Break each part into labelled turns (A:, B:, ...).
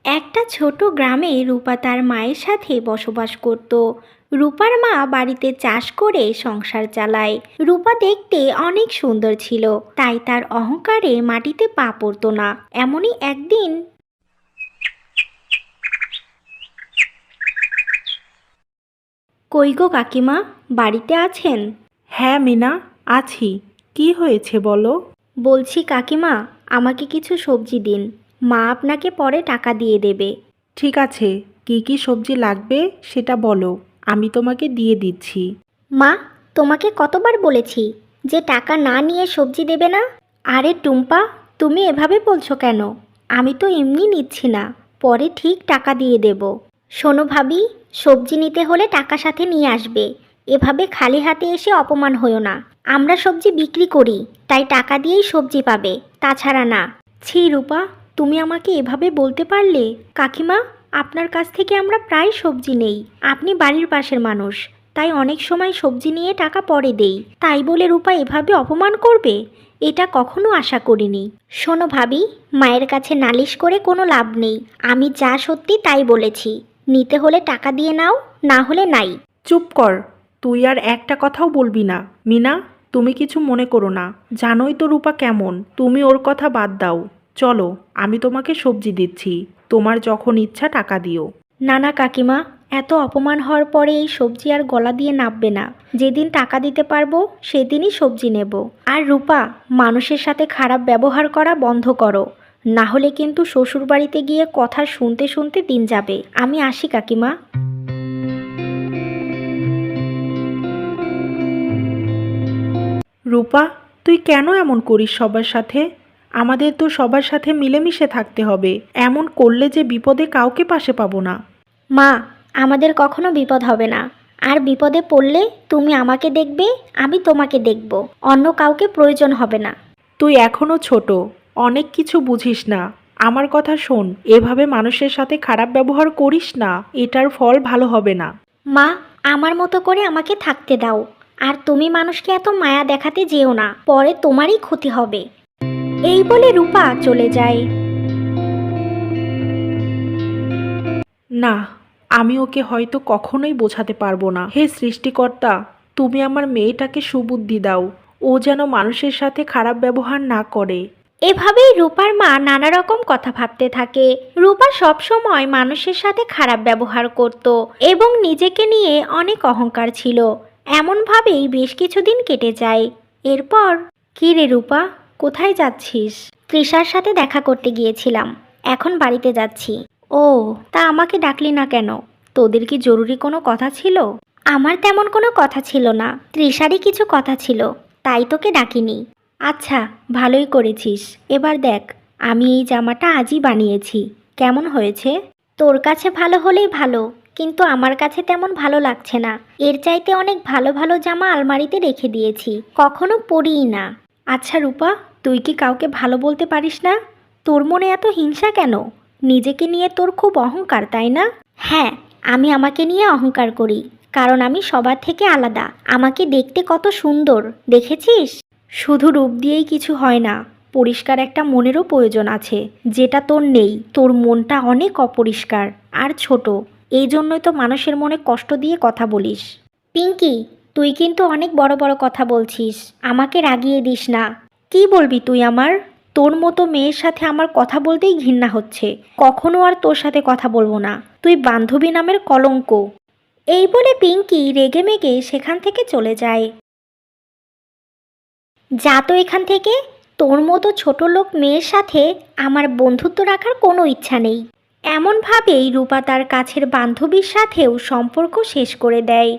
A: একটা ছোট গ্রামে রূপা তার মায়ের সাথে বসবাস করত। রূপার মা বাড়িতে চাষ করে সংসার চালায়। রূপা দেখতে অনেক সুন্দর ছিল, তাই তার অহংকারে মাটিতে পা পড়তো না। এমনই একদিন, কই গো কাকিমা, বাড়িতে আছেন?
B: হ্যাঁ মিনা, আছি। কি হয়েছে বলো?
A: বলছি কাকিমা, আমাকে কিছু সবজি দিন, মা আপনাকে পরে টাকা দিয়ে দেবে।
B: ঠিক আছে, কি কি সবজি লাগবে সেটা বলো, আমি তোমাকে দিয়ে দিচ্ছি।
A: মা, তোমাকে কতবার বলেছি যে টাকা না নিয়ে সবজি দেবে না? আরে টুম্পা, তুমি এভাবে বলছো কেন? আমি তো এমনি নিচ্ছি না, পরে ঠিক টাকা দিয়ে দেব। শোনো ভাবি, সবজি নিতে হলে টাকা সাথে নিয়ে আসবে। এভাবে খালি হাতে এসে অপমান হয়ো না। আমরা সবজি বিক্রি করি, তাই টাকা দিয়েই সবজি পাবে, তাছাড়া না। ছি রূপা, তুমি আমাকে এভাবে বলতে পারলে? কাকিমা, আপনার কাছ থেকে আমরা প্রায় সবজি নেই। আপনি বাড়ির পাশের মানুষ, তাই অনেক সময় সবজি নিয়ে টাকা পরে দেই। তাই বলে রূপা এভাবে অপমান করবে, এটা কখনো আশা করিনি। শোনো ভাবি, মায়ের কাছে নালিশ করে কোনো লাভ নেই। আমি যা সত্যি তাই বলেছি। নিতে হলে টাকা দিয়ে নাও, না হলে নাই।
B: চুপ কর, তুই আর একটা কথাও বলবি না। মিনা, তুমি কিছু মনে করো না, জানোই তো রূপা কেমন। তুমি ওর কথা বাদ দাও। চলো, আমি তোমাকে সবজি দিচ্ছি, তোমার যখন ইচ্ছা টাকা দিও।
A: না না কাকিমা, এত অপমান হওয়ার পরে এই সবজি আর গলা দিয়ে নাববে না। যেদিন টাকা দিতে পারবো সেদিনই সবজি নেব। আর রূপা, মানুষের সাথে খারাপ ব্যবহার করা বন্ধ করো, না হলে কিন্তু শ্বশুরবাড়িতে গিয়ে কথা শুনতে শুনতে দিন যাবে। আমি আসি কাকিমা।
B: রূপা, তুই কেন এমন করিস সবার সাথে? আমাদের তো সবার সাথে মিলেমিশে থাকতে হবে। এমন করলে যে বিপদে কাউকে পাশে পাবো না।
A: মা, আমাদের কখনো বিপদ হবে না। আর বিপদে পড়লে তুমি আমাকে দেখবে, আমি তোমাকে দেখব। অন্য কাউকে প্রয়োজন হবে না।
B: তুই এখনো ছোট, অনেক কিছু বুঝিস না। আমার কথা শোন, এভাবে মানুষের সাথে খারাপ ব্যবহার করিস না, এটার ফল ভালো হবে না।
A: মা, আমার মতো করে আমাকে থাকতে দাও। আর তুমি মানুষকে এত মায়া দেখাতে যেও না, পরে তোমারই ক্ষতি হবে। এই বলে রূপা চলে যায়।
B: না, আমি ওকে হয়তো কখনোই বোঝাতে পারবো না। হে সৃষ্টিকর্তা, তুমি আমার মেয়েটাকে সুবুদ্ধি দাও, ও যেন মানুষের সাথে খারাপ ব্যবহার না করে।
A: এভাবেই রূপার মা নানা রকম কথা ভাবতে থাকে। রূপা সব সময় মানুষের সাথে খারাপ ব্যবহার করত এবং নিজেকে নিয়ে অনেক অহংকার ছিল। এমনভাবেই বেশ কিছুদিন কেটে যায়। এরপর, কী রে রূপা, কোথায় যাচ্ছিস? তৃষার সাথে দেখা করতে গিয়েছিলাম, এখন বাড়িতে যাচ্ছি। ও, তা আমাকে ডাকলি না কেন? তোদের কি জরুরি কোনো কথা ছিল? আমার তেমন কোনো কথা ছিল না, তৃষারই কিছু কথা ছিল, তাই তোকে ডাকিনি। আচ্ছা, ভালোই করেছিস। এবার দেখ, আমি এই জামাটা আজই বানিয়েছি, কেমন হয়েছে? তোর কাছে ভালো হলেই ভালো, কিন্তু আমার কাছে তেমন ভালো লাগছে না। এর চাইতে অনেক ভালো ভালো জামা আলমারিতে রেখে দিয়েছি, কখনো পরিই না। আচ্ছা রূপা, তুই কি কাউকে ভালো বলতে পারিস না? তোর মনে এত হিংসা কেন? নিজেকে নিয়ে তোর খুব অহংকার, তাই না? হ্যাঁ, আমি আমাকে নিয়ে অহংকার করি, কারণ আমি সবার থেকে আলাদা। আমাকে দেখতে কত সুন্দর, দেখেছিস? শুধু রূপ দিয়েই কিছু হয় না, পরিষ্কার একটা মনেরও প্রয়োজন আছে, যেটা তোর নেই। তোর মনটা অনেক অপরিষ্কার আর ছোট, এই জন্যই তো মানুষের মনে কষ্ট দিয়ে কথা বলিস। পিঙ্কি, তুই কিন্তু অনেক বড় বড় কথা বলছিস, আমাকে রাগিয়ে দিস না। কি বলবি তুই আমার? তোর মতো মেয়ের সাথে আমার কথা বলতেই ঘৃণা হচ্ছে, কখনো আর তোর সাথে কথা বলবো না। তুই বান্ধবী নামের কলঙ্ক। এই বলে পিঙ্কি রেগেমেগে সেখান থেকে চলে যায়। যা তো এখান থেকে, তোর মতো ছোট লোক মেয়ের সাথে আমার বন্ধুত্ব রাখার কোনো ইচ্ছা নেই। এমনভাবেই রূপা তার কাছের বান্ধবীর সাথেও সম্পর্ক শেষ করে দেয়।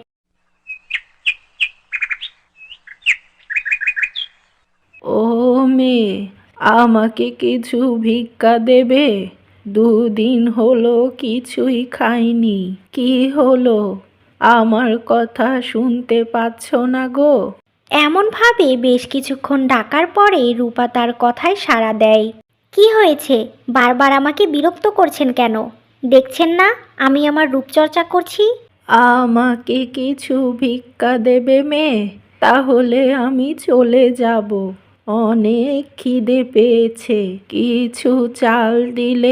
B: ও মেয়ে, আমাকে কিছু ভিক্ষা দেবে? দুদিন হলো কিছুই খাইনি। কি হলো? আমার কথা শুনতে পাচ্ছ না গো?
A: এমনভাবে বেশ কিছুক্ষণ ডাকার পরে রূপা তার কথায় সাড়া দেয়। কি হয়েছে? বারবার আমাকে বিরক্ত করছেন কেন? দেখছেন না আমি আমার রূপচর্চা করছি?
B: আমাকে কিছু ভিক্ষা দেবে মেয়ে, তাহলে আমি চলে যাব। অনেক খিদে পেয়েছে, কিছু চাল দিলে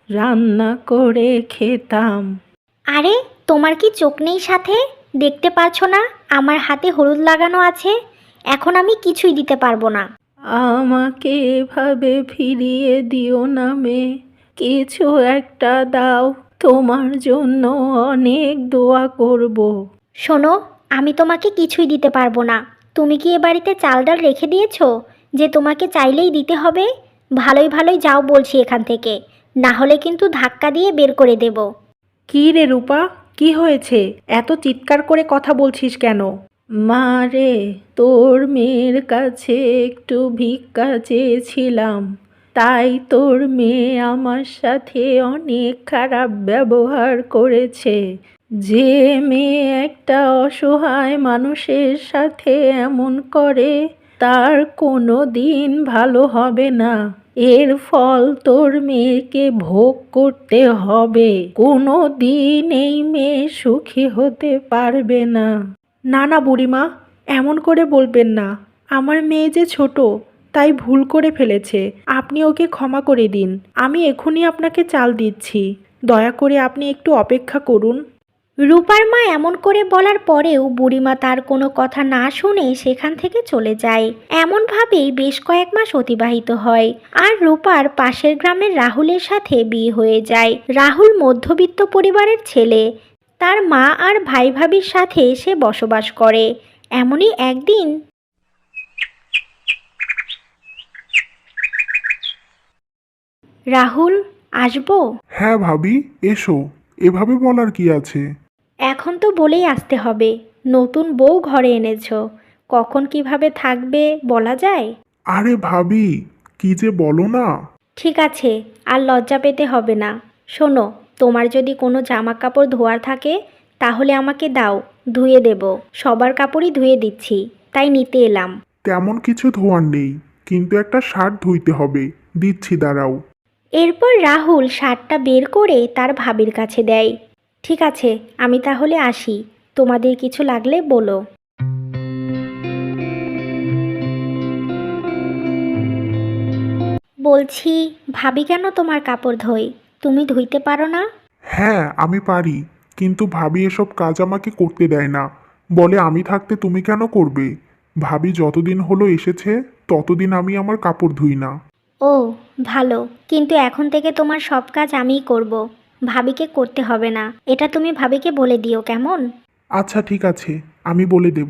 B: রান্না করে খেতাম।
A: আরে, তোমার কি চোখ নেই সাথে? দেখতে পারছো না আমার হাতে হলুদ লাগানো আছে? এখন আমি কিছুই দিতে পারবো না।
B: আমাকে এভাবে ফিরিয়ে দিও না মেয়ে, কিছু একটা দাও, তোমার জন্য অনেক দোয়া করব।
A: শোনো, আমি তোমাকে কিছুই দিতে পারবো না। তুমি কি এ বাড়িতে চাল ডাল রেখে দিয়েছো যে তোমাকে চাইলেই দিতে হবে? ভালোই ভালোই যাও বলছি এখান থেকে, না হলে কিন্তু ধাক্কা দিয়ে বের করে দেব।
B: কি রে রূপা, কি হয়েছে? এত চিৎকার করে কথা বলছিস কেন? মা রে, তোর মেয়ের কাছে একটু ভিক্ষা চেয়েছিলাম, তাই তোর মেয়ে আমার সাথে অনেক খারাপ ব্যবহার করেছে। যে মেয়ে একটা অসহায় মানুষের সাথে এমন করে, তার কোনো দিন ভালো হবে না। এর ফল তোর মেয়েকে ভোগ করতে হবে। কোনো দিন এই মেয়ে সুখী হতে পারবে না। না না বুড়িমা, এমন করে বলবেন না। আমার মেয়ে যে ছোট, তাই ভুল করে ফেলেছে। আপনি ওকে ক্ষমা করে দিন। আমি এখনই আপনাকে চাল দিচ্ছি। দয়া করে আপনি একটু অপেক্ষা করুন।
A: রূপার মা এমন করে বলার পরেও বুড়িমা তার কোনো কথা না শুনে সেখান থেকে চলে যায়। এমনভাবেই বেশ কয়েক মাস অতিবাহিত হয়, আর রূপার পাশের গ্রামের রাহুলের সাথে বিয়ে হয়ে যায়। রাহুল মধ্যবিত্ত পরিবারের ছেলে। তার মা আর ভাই ভাবির সাথে সে বসবাস করে। এমনই একদিন, রাহুল, আসবো?
C: হ্যাঁ ভাবি, এসো। এভাবে বলার কি আছে?
A: এখন তো বলেই আসতে হবে। নতুন বউ ঘরে এনেছো, কখন কিভাবে থাকবে বলা যায়?
C: আরে ভাবি, কি যে বলো না।
A: ঠিক আছে, আর লজ্জা পেতে হবে না। শোনো, তোমার যদি কোনো জামা কাপড় ধোয়ার থাকে তাহলে আমাকে দাও, ধুয়ে দেব। সবার কাপড়ই ধুয়ে দিচ্ছি, তাই নিতে এলাম।
C: তেমন কিছু ধোয়ার নেই, কিন্তু একটা শার্ট ধুইতে হবে। দিচ্ছি, দাঁড়াও।
A: এরপর রাহুল শার্টটা বের করে তার ভাবির কাছে দেয়। ঠিক আছে, আমি তাহলে আসি। তোমাদের কিছু লাগলে বলো। বলছি, ভাবি কেন তোমার কাপড় ধোয়? তুমি ধুইতে পারো না?
C: হ্যাঁ, আমি পারি, কিন্তু ভাবি এসব কাজ আমাকে করতে দেয় না। বলে আমি থাকতে তুমি কেন করবে? ভাবি যতদিন হলো এসেছে, ততদিন আমি আমার কাপড় ধুই না।
A: ও, ভালো। কিন্তু এখন থেকে তোমার সব কাজ আমিই করব। ভাবিকে করতে হবে না, এটা তুমি ভাবিকে বলে দিও, কেমন?
C: আচ্ছা ঠিক আছে, আমি বলে দেব।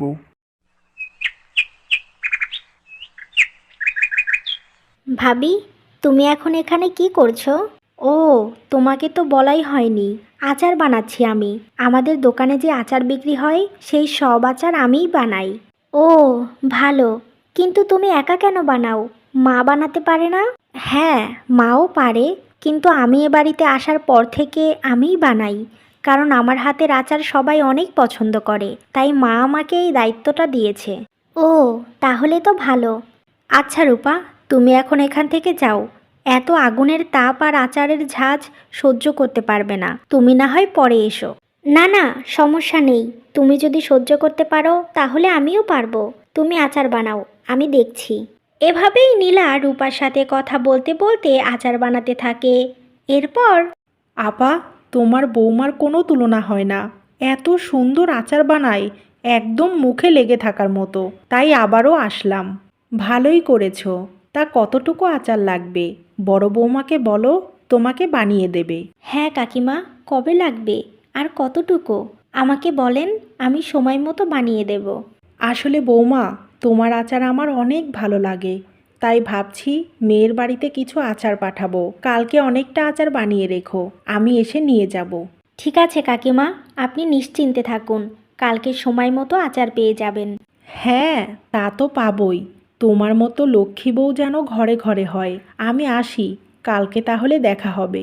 A: ভাবি, তুমি এখন এখানে কি করছো? ও, তোমাকে তো বলাই হয়নি। আচার বানাচ্ছি আমি। আমাদের দোকানে যে আচার বিক্রি হয় সেই সব আচার আমিই বানাই। ও, ভালো। কিন্তু তুমি একা কেন বানাও? মা বানাতে পারে না? হ্যাঁ, মাও পারে, কিন্তু আমি এ বাড়িতে আসার পর থেকে আমিই বানাই। কারণ আমার হাতের আচার সবাই অনেক পছন্দ করে, তাই মা আমাকে এই দায়িত্বটা দিয়েছে। ও, তাহলে তো ভালো। আচ্ছা রূপা, তুমি এখন এখান থেকে যাও। এত আগুনের তাপ আর আচারের ঝাঁজ সহ্য করতে পারবে না। তুমি না হয় পরে এসো। না না, সমস্যা নেই। তুমি যদি সহ্য করতে পারো তাহলে আমিও পারবো। তুমি আচার বানাও, আমি দেখছি। এভাবেই নীলা রূপার সাথে কথা বলতে বলতে আচার বানাতে থাকে। এরপর,
B: আপা, তোমার বৌমার কোনো তুলনা হয় না। এত সুন্দর আচার বানায়, একদম মুখে লেগে থাকার মতো। তাই আবারও আসলাম। ভালোই করেছো। তা কতটুকু আচার লাগবে? বড় বৌমাকে বলো, তোমাকে বানিয়ে দেবে।
A: হ্যাঁ কাকিমা, কবে লাগবে আর কতটুকু আমাকে বলেন, আমি সময় মতো বানিয়ে দেব।
B: আসলে বৌমা, তোমার আচার আমার অনেক ভালো লাগে। তাই ভাবছি মেয়ের বাড়িতে কিছু আচার পাঠাবো। কালকে অনেকটা আচার বানিয়ে রেখো, আমি এসে নিয়ে যাব।
A: ঠিক আছে কাকিমা, আপনি নিশ্চিন্তে থাকুন। কালকে সময় মতো আচার পেয়ে যাবেন।
B: হ্যাঁ, তা তো পাবই। তোমার মতো লক্ষ্মী বউ যেন ঘরে ঘরে হয়। আমি আসি, কালকে তাহলে দেখা হবে।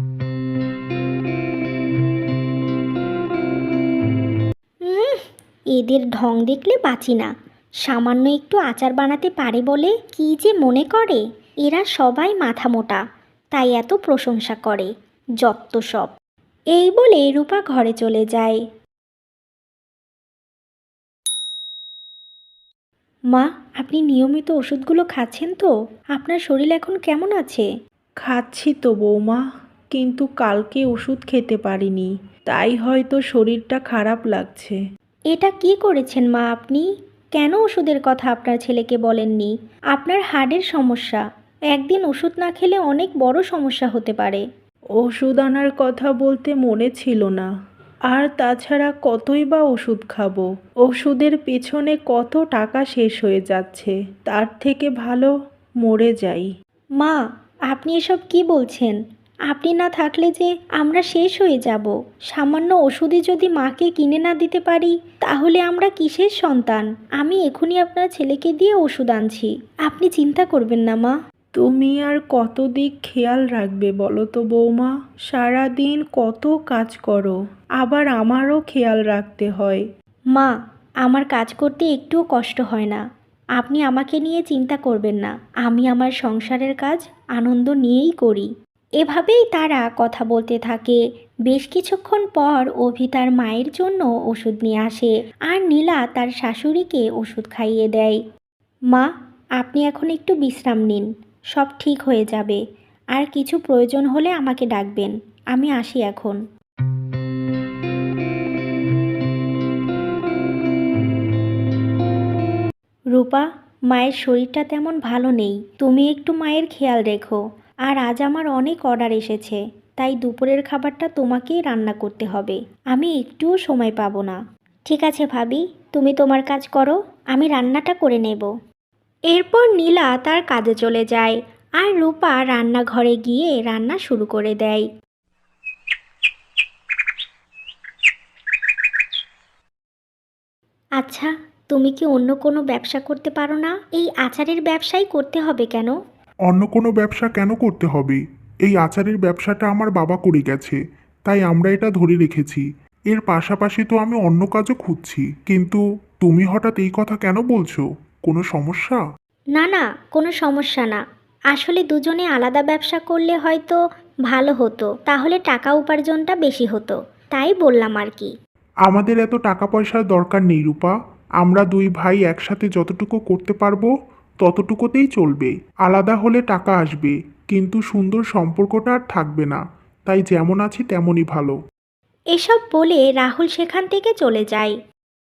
A: উম, এদের ঢং দেখলে বাঁচি না। সামান্য একটু আচার বানাতে পারে বলে কি যে মনে করে। এরা সবাই মাথা মোটা, তাই এত প্রশংসা করে। যত্ত সব। এই বলে রূপা ঘরে চলে যায়। মা, আপনি নিয়মিত ওষুধগুলো খাচ্ছেন তো? আপনার শরীর এখন কেমন আছে?
B: খাচ্ছি তো বৌমা, কিন্তু কালকে ওষুধ খেতে পারিনি, তাই হয়তো শরীরটা খারাপ লাগছে।
A: এটা কি করেছেন মা আপনি? কেন ওষুধের কথা আপনার ছেলেকে বলেননি? আপনার হার্টের সমস্যা, একদিন ওষুধ না খেলে অনেক বড় সমস্যা হতে পারে।
B: ওষুধ আনার কথা বলতে মনে ছিল না। আর তাছাড়া কতই বা ওষুধ খাবো, ওষুধের পেছনে কত টাকা শেষ হয়ে যাচ্ছে, তার থেকে ভালো মরে যাই।
A: মা, আপনি এসব কি বলছেন? আপনি না থাকলে যে আমরা শেষ হয়ে যাব। সামান্য ওষুধই যদি মাকে কিনে না দিতে পারি, তাহলে আমরা কিসের সন্তান? আমি এখনই আপনার ছেলেকে দিয়ে ওষুধ আনছি। আপনি চিন্তা করবেন না মা।
B: তুমি আর কত দিক খেয়াল রাখবে বলো তো বৌমা? সারাদিন কত কাজ করো, আবার আমারও খেয়াল রাখতে হয়।
A: মা, আমার কাজ করতে একটুও কষ্ট হয় না। আপনি আমাকে নিয়ে চিন্তা করবেন না। আমি আমার সংসারের কাজ আনন্দ নিয়েই করি। এভাবেই তারা কথা বলতে থাকে। বেশ কিছুক্ষণ পর অভি তার মায়ের জন্য ওষুধ নিয়ে আসে আর নীলা তার শাশুড়িকে ওষুধ খাইয়ে দেয়। মা, আপনি এখন একটু বিশ্রাম নিন, সব ঠিক হয়ে যাবে। আর কিছু প্রয়োজন হলে আমাকে ডাকবেন। আমি আসি এখন। রূপা, মায়ের শরীরটা তেমন ভালো নেই, তুমি একটু মায়ের খেয়াল রেখো। আর আজ আমার অনেক অর্ডার এসেছে, তাই দুপুরের খাবারটা তোমাকেই রান্না করতে হবে। আমি একটুও সময় পাবো না। ঠিক আছে ভাবি, তুমি তোমার কাজ করো, আমি রান্নাটা করে নেব। এরপর নীলা তার কাজে চলে যায় আর রূপা রান্নাঘরে গিয়ে রান্না শুরু করে দেয়। আচ্ছা, তুমি কি অন্য কোনো ব্যবসা করতে পারো না? এই আচারের ব্যবসাই করতে হবে কেন?
C: অন্য কোনো ব্যবসা কেন করতে হবে? এই আচারের ব্যবসাটা আমার বাবা করে গেছে, তাই আমরা এটা ধরে রেখেছি। এর পাশাপাশি তো আমি অন্য কাজও খুঁজছি, কিন্তু তুমি হঠাৎ এই কথা কেন বলছো? কোনো সমস্যা?
A: না না, কোনো সমস্যা না। আসলে দুজনে আলাদা ব্যবসা করলে হয়তো ভালো হতো, তাহলে টাকা উপার্জনটা বেশি হতো, তাই বললাম আর কি।
C: আমাদের এত টাকা পয়সার দরকার নেই রূপা। আমরা দুই ভাই একসাথে যতটুকু করতে পারবো ততটুকুতেই চলবে। আলাদা হলে টাকা আসবে, কিন্তু সুন্দর সম্পর্কটা আর থাকবে না। তাই যেমন আছি তেমনই ভালো।
A: এসব বলে রাহুল সেখান থেকে চলে যায়।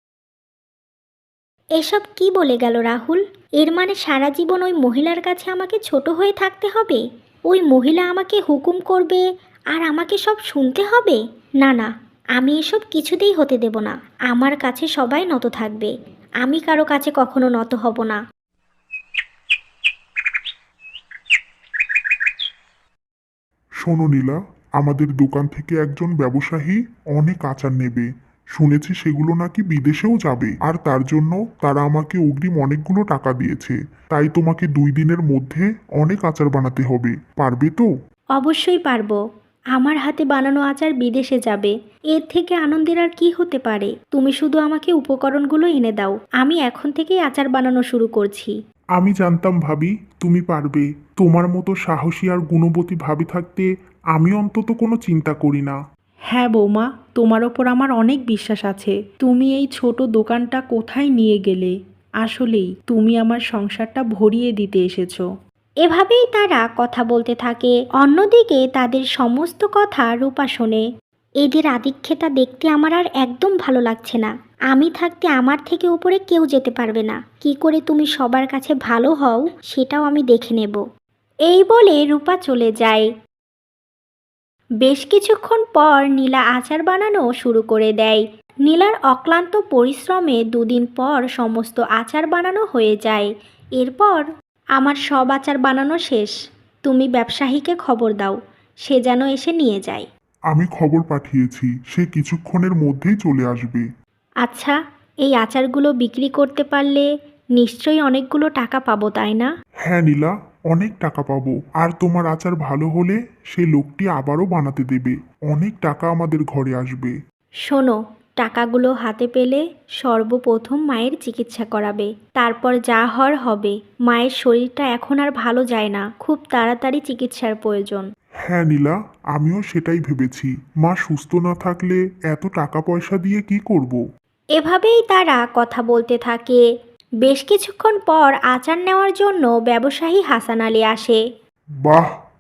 A: এসব কি বলে গেল রাহুল? এর মানে সারা জীবন ওই মহিলার কাছে আমাকে ছোট হয়ে থাকতে হবে? ওই মহিলা আমাকে হুকুম করবে আর আমাকে সব শুনতে হবে? না না, আমি এসব কিছুতেই হতে দেব না। আমার কাছে সবাই নত থাকবে, আমি কারো কাছে কখনো নত হব না।
C: শোনো নীলা, আমাদের দোকান থেকে একজন ব্যবসায়ী অনেক আচার নেবে। শুনেছি সেগুলো নাকি বিদেশেও যাবে, আর তার জন্য তারা আমাকে অগ্রিম অনেকগুলো টাকা দিয়েছে। তাই তোমাকে 2 দিনের মধ্যে অনেক আচার বানাতে হবে। পারবে তো?
A: অবশ্যই পারবো। আমার হাতে বানানো আচার বিদেশে যাবে, এর থেকে আনন্দের আর কি হতে পারে? তুমি শুধু আমাকে উপকরণগুলো এনে দাও, আমি এখন থেকেই আচার বানানো শুরু করছি।
C: আমি জানতাম ভাবি তুমি পারবে। তোমার মতো সাহসী আর গুণবতী ভাবি থাকতে আমি অন্তত কোনো চিন্তা করি না।
B: হ্যাঁ বৌমা, তোমার ওপর আমার অনেক বিশ্বাস আছে। তুমি এই ছোট দোকানটা কোথায় নিয়ে গেলে? আসলেই তুমি আমার সংসারটা ভরিয়ে দিতে এসেছো।
A: এভাবেই তারা কথা বলতে থাকে। অন্যদিকে তাদের সমস্ত কথা রূপা শোনে। এদের আদিক্ষেতা দেখতে আমার আর একদম ভালো লাগছে না। আমি থাকতে আমার থেকে উপরে কেউ যেতে পারবে না। কি করে তুমি সবার কাছে ভালো হও সেটাও আমি দেখে নেব। এই বলে রূপা চলে যায়। বেশ কিছুক্ষণ পর নীলা আচার বানানো শুরু করে দেয়। নীলার অক্লান্ত পরিশ্রমে 2 দিন পর সমস্ত আচার বানানো হয়ে যায়। এরপর আমার সব আচার বানানো শেষ। তুমি ব্যবসায়ীকে খবর দাও, সে যেন এসে নিয়ে যায়।
C: আমি খবর পাঠিয়েছি, সে কিছুক্ষণের মধ্যেই চলে আসবে।
A: আচ্ছা, এই আচারগুলো বিক্রি করতে পারলে নিশ্চয়ই অনেকগুলো টাকা পাবো, তাই না?
C: হ্যাঁ নীলা, অনেক টাকা পাবো। আর তোমার আচার ভালো হলে সেই লোকটি আবারও বানাতে দেবে। অনেক টাকা আমাদের ঘরে আসবে।
A: শোনো, টাকাগুলো হাতে পেলে সর্বপ্রথম মায়ের চিকিৎসা করাবে, তারপর যা হওয়ার হবে। মায়ের শরীরটা এখন আর ভালো যায় না, খুব তাড়াতাড়ি চিকিৎসার প্রয়োজন।
C: হ্যাঁ নীলা, আমিও সেটাই ভেবেছি। মা সুস্থ না থাকলে এত টাকা পয়সা দিয়ে কি করব।
A: এভাবেই তারা কথা বলতে থাকে। বেশ কিছুক্ষণ পর আচার নেওয়ার জন্য ব্যবসায়ী হাসান আলী আসে।
C: বাহ,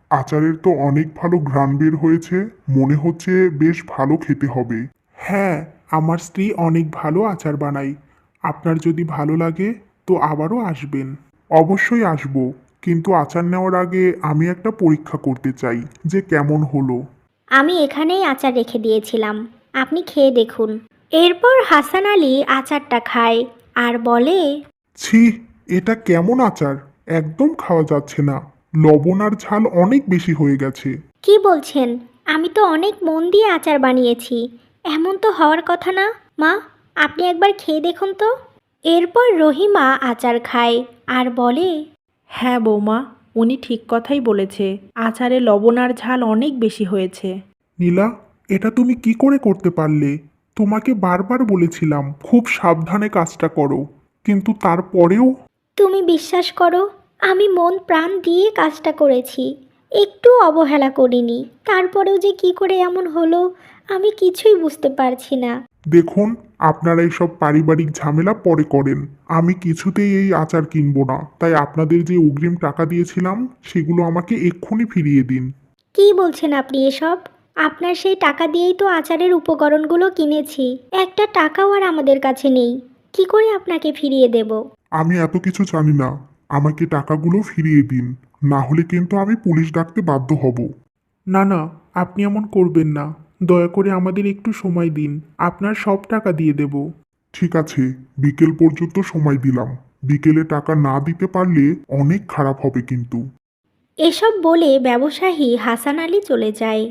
C: আচারের তো অনেক ভালো ঘ্রাণ বের হয়েছে, মনে হচ্ছে বেশ ভালো খেতে হবে।
B: হ্যাঁ, আমার স্ত্রী অনেক ভালো আচার বানায়। আপনার যদি ভালো লাগে তো আবারও আসবেন।
C: অবশ্যই আসব, কিন্তু আচার নেওয়ার আগে আমি একটা পরীক্ষা করতে চাই যে কেমন হলো।
A: আমি এখানেই আচার রেখে দিয়েছিলাম, আপনি খেয়ে দেখুন। এরপর হাসান আলী আচারটা খায় আর বলে,
C: ছি, এটা কেমন আচার? একদম খাওয়া যাচ্ছে না। লবণ আর ঝাল অনেক বেশি হয়ে গেছে।
A: কি বলছেন? আমি তো অনেক মন দিয়ে আচার বানিয়েছি, এমন তো হওয়ার কথা না। মা, আপনি একবার খেয়ে দেখুন তো। এরপর রহিমা আচার খায় আর বলে,
B: হ্যাঁ বৌমা, উনি ঠিক কথাই বলেছে। আচারে লবণ আর ঝাল অনেক বেশি হয়েছে।
C: নীলা, এটা তুমি কি করে করতে পারলে? তোমাকে বারবার বলেছিলাম খুব সাবধানে কাজটা করো, কিন্তু তারপরেও।
A: তুমি বিশ্বাস করো, আমি মন প্রাণ দিয়ে কাজটা করেছি, একটু অবহেলা করিনি। তারপরেও যে কি করে এমন হলো আমি কিছুই বুঝতে পারছি না।
C: দেখুন, আপনারা এইসব পারিবারিক ঝামেলা পরে করেন। আমি কিছুতেই এই আচার কিনবো না, তাই আপনাদের যে অগ্রিম টাকা দিয়েছিলাম সেগুলো আমাকে এক্ষুনি ফিরিয়ে দিন।
A: কি বলছেন আপনি এসব? আপনার সেই টাকা দিয়েই তো আচারের উপকরণগুলো কিনেছি, একটা টাকাও আর আমাদের কাছে নেই, কি করে আপনাকে ফিরিয়ে দেব?
C: আমি এত কিছু জানি না, আমাকে টাকাগুলো ফিরিয়ে দিন, না হলে কিন্তু আমি পুলিশ ডাকতে বাধ্য হব।
B: না না, আপনি এমন করবেন না। দয়া করে আমাদের একটু সময় দিন, আপনার সব টাকা দিয়ে দেব।
C: ঠিক আছে, বিকেল পর্যন্ত সময় দিলাম। বিকেলে টাকা না দিতে পারলে অনেক খারাপ হবে কিন্তু।
A: এসব বলে ব্যবসায়ী হাসান আলী চলে যায়।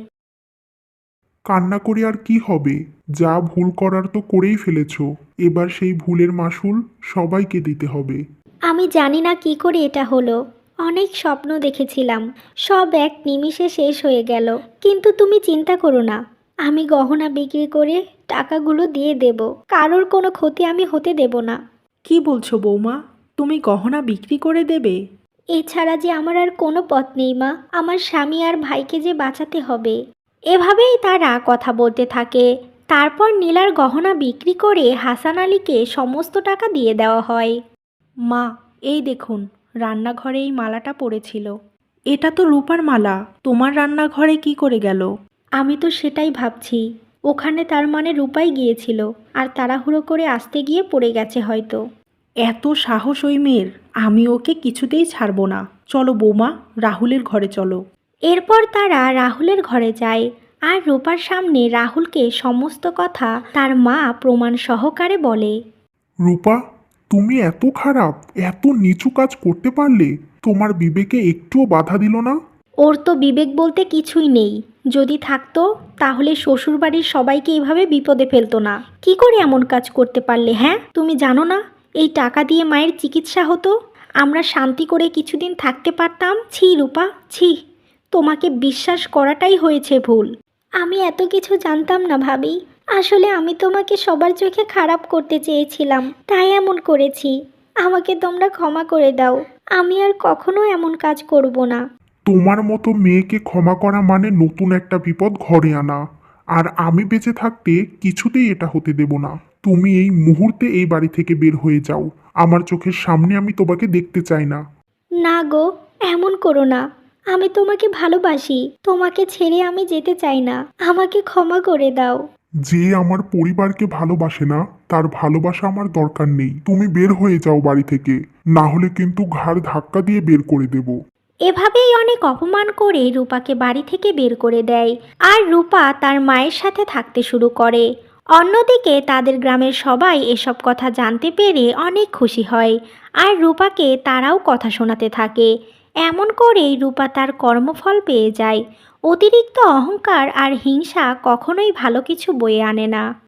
B: কান্না করে আর কি হবে? যা ভুল করার তো করেই ফেলেছো। এবার সেই ভুলের মাসুল সবাইকে দিতে হবে।
A: আমি জানি না কি করে এটা হলো, অনেক স্বপ্ন দেখেছিলাম, সব এক নিমিষে শেষ হয়ে গেল। কিন্তু তুমি চিন্তা করো না, আমি গহনা বিক্রি করে টাকাগুলো দিয়ে দেব, কারোর কোনো ক্ষতি আমি হতে দেব না।
B: কি বলছো বৌমা? তুমি গহনা বিক্রি করে দেবে?
A: এছাড়া যে আমার আর কোনো পথ নেই মা, আমার স্বামী আর ভাইকে যে বাঁচাতে হবে। এভাবেই তারা কথা বলতে থাকে। তারপর নীলার গহনা বিক্রি করে হাসান আলীকে সমস্ত টাকা দিয়ে দেওয়া হয়।
B: মা, এই দেখুন, রান্নাঘরে এই মালাটা পড়েছিল। এটা তো রূপার মালা, তোমার রান্নাঘরে কি করে গেল?
A: আমি তো সেটাই ভাবছি, ওখানে তার মানে রূপাই গিয়েছিল আর তাড়াহুড়ো করে আসতে গিয়ে পড়ে গেছে হয়তো।
B: এত সাহস ওই মেয়ের! আমি ওকে কিছুতেই ছাড়বো না। চলো বৌমা, রাহুলের ঘরে চলো।
A: এরপর তারা রাহুলের ঘরে যায় আর রূপার সামনে রাহুলকে সমস্ত কথা তার মা প্রমাণ সহকারে বলে।
C: রূপা, তুমি এত খারাপ, এত নিচু কাজ করতে পারলে? তোমার বিবেকে একটুও বাধা দিল না?
A: ওর তো বিবেক বলতে কিছুই নেই, যদি থাকতো তাহলে শ্বশুরবাড়ির সবাইকে এইভাবে বিপদে ফেলতো না। কি করে এমন কাজ করতে পারলে? হ্যাঁ, তুমি জানো না এই টাকা দিয়ে মায়ের চিকিৎসা হতো, আমরা শান্তি করে কিছুদিন থাকতে পারতাম। ছি রূপা, ছি, তোমাকে বিশ্বাস করাটাই হয়েছে ভুল। আমি এত কিছু জানতাম না ভাবি, আসলে আমি তোমাকে সবার চোখে খারাপ করতে চেয়েছিলাম, তাই এমন করেছি। আমাকে তোমরা ক্ষমা করে দাও, আমি আর কখনো এমন কাজ করব না।
C: তোমার মতো মেয়েকে ক্ষমা করা মানে নতুন একটা বিপদ ঘরে আনা। আর আমি বেঁচে থাকতে কিছুতেই এটা হতে দেব না। তুমি এই মুহূর্তে এই বাড়ি থেকে বের হয়ে যাও। আমার চোখের সামনে আমি তোমাকে দেখতে চাই না।
A: না গো, এমন করো না, আমি তোমাকে ভালোবাসি, তোমাকে ছেড়ে আমি যেতে চাই না, আমাকে ক্ষমা করে দাও।
C: যে আমার পরিবারকে ভালোবাসে না তার ভালোবাসা আমার দরকার নেই। তুমি বের হয়ে যাও বাড়ি থেকে, না হলে কিন্তু ঘাড় ধাক্কা দিয়ে বের করে দেব।
A: এভাবেই অনেক অপমান করে রূপাকে বাড়ি থেকে বের করে দেয় আর রূপা তার মায়ের সাথে থাকতে শুরু করে। অন্যদিকে তাদের গ্রামের সবাই এসব কথা জানতে পেরে অনেক খুশি হয় আর রূপাকে তারাও কথা শোনাতে থাকে। এমন করেই রূপা তার কর্মফল পেয়ে যায়। অতিরিক্ত অহংকার আর হিংসা কখনোই ভালো কিছু বয়ে আনে না।